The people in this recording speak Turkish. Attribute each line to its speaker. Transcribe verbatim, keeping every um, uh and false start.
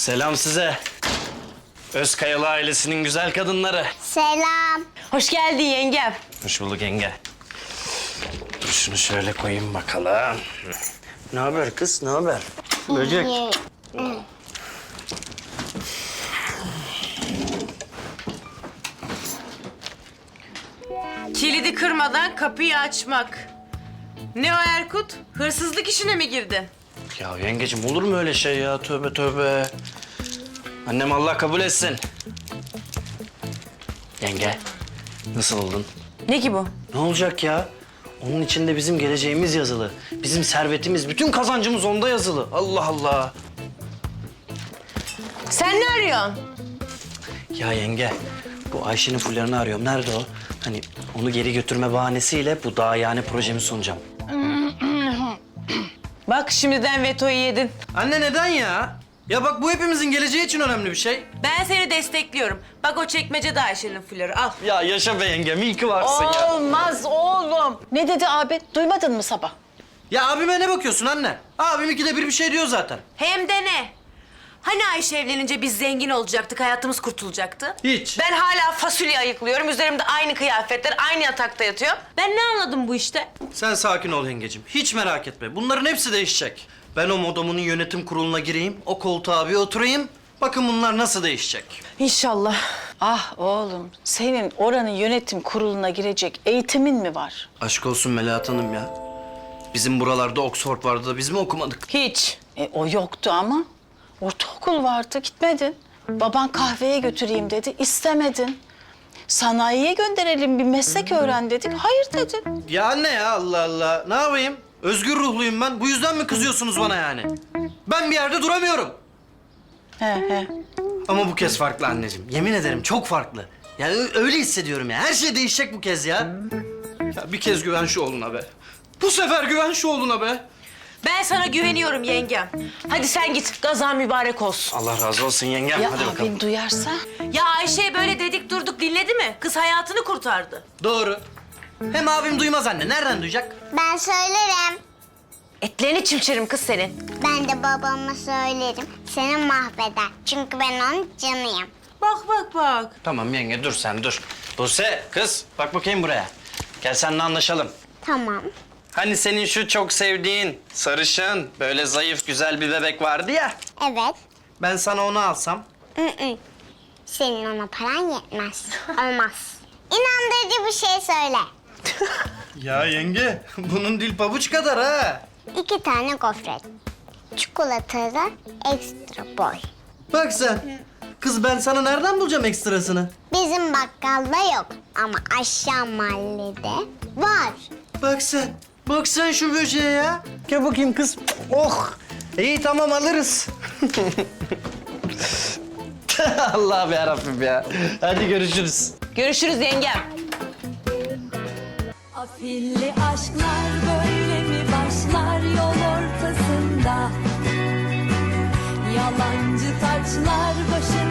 Speaker 1: Selam size. Özkayalı ailesinin güzel kadınları.
Speaker 2: Selam.
Speaker 3: Hoş geldin yengem.
Speaker 1: Hoş bulduk yenge. Dur şunu şöyle koyayım bakalım. Ne haber kız, ne haber? Böcek.
Speaker 3: Kilidi kırmadan kapıyı açmak. Ne o Erkut? Hırsızlık işine mi girdin?
Speaker 1: Ya yengeciğim olur mu öyle şey ya? Tövbe tövbe. Annem Allah kabul etsin. Yenge, nasıl oldun?
Speaker 3: Ne ki bu?
Speaker 1: Ne olacak ya? Onun içinde bizim geleceğimiz yazılı. Bizim servetimiz, bütün kazancımız onda yazılı. Allah Allah.
Speaker 3: Sen ne arıyorsun?
Speaker 1: Ya yenge, bu Ayşe'nin fullerini arıyorum. Nerede o? Hani onu geri götürme bahanesiyle bu daha yani projemi sunacağım.
Speaker 3: Bak şimdiden vetoyu yedin.
Speaker 1: Anne neden ya? Ya bak bu hepimizin geleceği için önemli bir şey.
Speaker 3: Ben seni destekliyorum. Bak o çekmecede Ayşe'nin flörü al.
Speaker 1: Ya yaşa be yengem, iyi ki varsın ya.
Speaker 4: Olmaz oğlum. Ne dedi abi? Duymadın mı sabah?
Speaker 1: Ya abime ne bakıyorsun anne? Abim ikide bir bir şey diyor zaten.
Speaker 3: Hem de ne? Hani Ayşe evlenince biz zengin olacaktık, hayatımız kurtulacaktı?
Speaker 1: Hiç.
Speaker 3: Ben hala fasulye ayıklıyorum. Üzerimde aynı kıyafetler, aynı yatakta yatıyor. Ben ne anladım bu işte?
Speaker 1: Sen sakin ol yengecim. Hiç merak etme. Bunların hepsi değişecek. Ben o modomunun yönetim kuruluna gireyim, o koltuğa bir oturayım. Bakın bunlar nasıl değişecek.
Speaker 3: İnşallah.
Speaker 4: Ah oğlum, senin oranın yönetim kuruluna girecek eğitimin mi var?
Speaker 1: Aşk olsun Melahat Hanım ya. Bizim buralarda Oxford vardı da biz mi okumadık?
Speaker 3: Hiç.
Speaker 4: E, o yoktu ama. Ortaokul vardı, gitmedin. Baban kahveye götüreyim dedi, istemedin. Sanayiye gönderelim, bir meslek öğren dedik, hayır dedin.
Speaker 1: Ya anne ya Allah Allah. Ne yapayım? Özgür ruhluyum ben. Bu yüzden mi kızıyorsunuz bana yani? Ben bir yerde duramıyorum.
Speaker 4: He he.
Speaker 1: Ama bu kez farklı anneciğim. Yemin ederim çok farklı. Yani ö- öyle hissediyorum ya. Her şey değişecek bu kez ya. Ya bir kez güven şu oğluna be. Bu sefer güven şu oğluna be.
Speaker 3: Ben sana güveniyorum yengem. Hadi sen git, gazan mübarek olsun.
Speaker 1: Allah razı olsun yengem.
Speaker 4: Ya
Speaker 1: Hadi bakalım.
Speaker 4: abin duyarsa?
Speaker 3: Ya Ayşe'ye böyle dedik durduk dinledi mi? Kız hayatını kurtardı.
Speaker 1: Doğru. Hem abim duymaz anne. Nereden duyacak?
Speaker 2: Ben söylerim.
Speaker 3: Etlerini çimçerim kız senin.
Speaker 2: Ben de babama söylerim. Seni mahveder. Çünkü ben onun canıyım.
Speaker 3: Bak bak bak.
Speaker 1: Tamam yenge dur sen dur. Buse kız bak bakayım buraya. Gel seninle anlaşalım.
Speaker 2: Tamam.
Speaker 1: Hani senin şu çok sevdiğin sarışın böyle zayıf güzel bir bebek vardı ya.
Speaker 2: Evet.
Speaker 1: Ben sana onu alsam.
Speaker 2: Hı-hı. Senin ona paran yetmez. Olmaz. İnandırıcı bir şey söyle.
Speaker 1: Ya yenge bunun dil pabuç kadar ha.
Speaker 2: İki tane gofret. Çikolatalı ekstra boy.
Speaker 1: Bak sen. Kız ben sana nereden bulacağım ekstrasını?
Speaker 2: Bizim bakkalda yok ama aşağı mahallede var.
Speaker 1: Bak sen. Bak sen şu böceğe ya. Gel bakayım kız. Oh. İyi tamam alırız. Allah'ım yarabbim ya. Hadi görüşürüz.
Speaker 3: Görüşürüz yengem.
Speaker 5: Afilli aşklar böyle mi başlar yol ortasında? Yalancı taçlar başına